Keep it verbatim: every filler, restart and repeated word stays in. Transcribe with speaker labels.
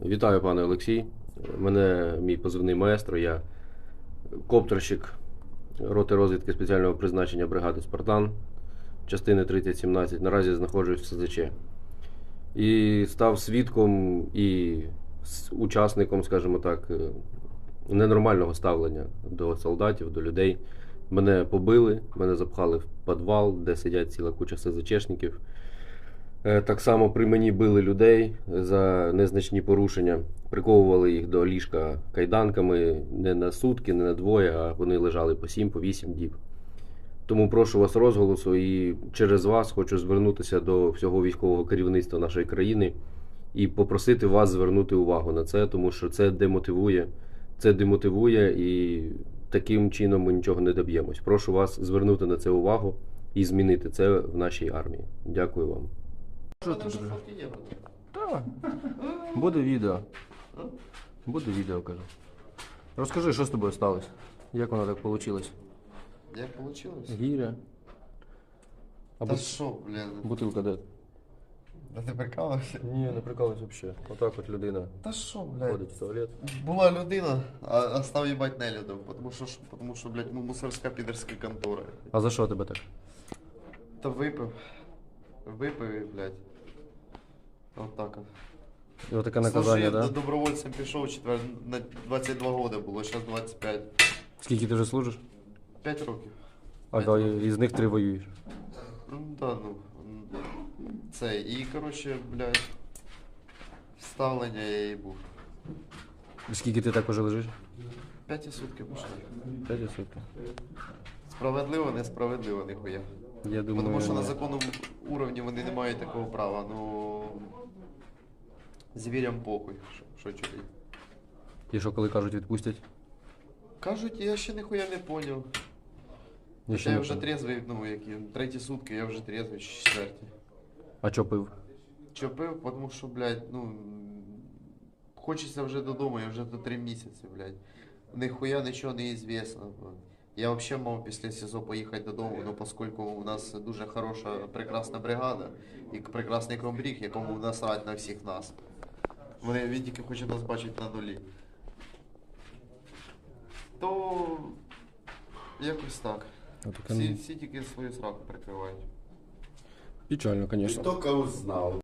Speaker 1: Вітаю, пане Олексій. Мене мій позивний маестро, я коптерщик роти розвідки спеціального призначення бригади Спартан, частини тридцять сімнадцять. Наразі знаходжусь в СЗЧ. І став свідком і учасником, скажімо так, ненормального ставлення до солдатів, до людей. Мене побили, мене запхали в підвал, де сидять ціла куча СЗЧшників. Так само при мені били людей за незначні порушення, приковували їх до ліжка кайданками не на сутки, не на двоє, а вони лежали по сім, по вісім діб. Тому прошу вас розголосу і через вас хочу звернутися до всього військового керівництва нашої країни і попросити вас звернути увагу на це, тому що це демотивує, це демотивує і таким чином ми нічого не доб'ємось. Прошу вас звернути на це увагу і змінити це в нашій армії. Дякую вам.
Speaker 2: Що ти?
Speaker 1: Так, буде відео. Буде відео, кажу. Розкажи, що з тобою сталося? Як воно так вийшло?
Speaker 2: Як вийшло?
Speaker 1: Гіря. А
Speaker 2: Та
Speaker 1: бут...
Speaker 2: що, блін?
Speaker 1: бутилка де?
Speaker 2: Та ти прикалався?
Speaker 1: Ні, не прикалуюсь взагалі. Отак от людина
Speaker 2: Та що, блядь?
Speaker 1: ходить в туалет.
Speaker 2: Була людина, а, а став їбать нелюдом, тому що, ж- тому що, блядь, ну, мусорська підерська контора.
Speaker 1: А за що тебе так?
Speaker 2: Та випив. Випив і, блядь. От так от.
Speaker 1: І отаке наказання,
Speaker 2: Служив,
Speaker 1: так?
Speaker 2: до
Speaker 1: Да?
Speaker 2: добровольцем пішов, четвер... на двадцять два роки було, зараз двадцять п'ять.
Speaker 1: Скільки ти вже служиш?
Speaker 2: п'ять років.
Speaker 1: А да, із них три воюєш.
Speaker 2: Ну, да, ну. Це, і, коротше, блядь, ставлення я їй був.
Speaker 1: І скільки ти так уже лежиш?
Speaker 2: П'яті сутки пішли.
Speaker 1: П'ять сутки.
Speaker 2: Справедливо, несправедливо, ніхуя.
Speaker 1: Я думаю,
Speaker 2: Тому що на законному уровні вони не мають такого права, ну звірям похуй, що, що чути.
Speaker 1: і що коли кажуть відпустять?
Speaker 2: Кажуть, я ще ніхуя не поняв.
Speaker 1: Я ще
Speaker 2: Я
Speaker 1: не
Speaker 2: вже
Speaker 1: понял.
Speaker 2: трезвий, ну які, треті сутки, я вже трезвий, четверті.
Speaker 1: А що пив?
Speaker 2: Що пив, тому що, блядь, ну хочеться вже додому, я вже до три місяці, блядь. Ніхуя нічого не ізвісно. Я взагалі мав після СІЗО поїхати додому, ну, оскільки у нас дуже хороша, прекрасна бригада і прекрасний комбриг, якому насрать на всіх нас. Вони, він тільки хоче нас бачити на нулі. То якось так.
Speaker 1: Отаке,
Speaker 2: Всі,
Speaker 1: ну,
Speaker 2: всі тільки свою сраку прикривають.
Speaker 1: печально, звісно.
Speaker 3: Только узнал.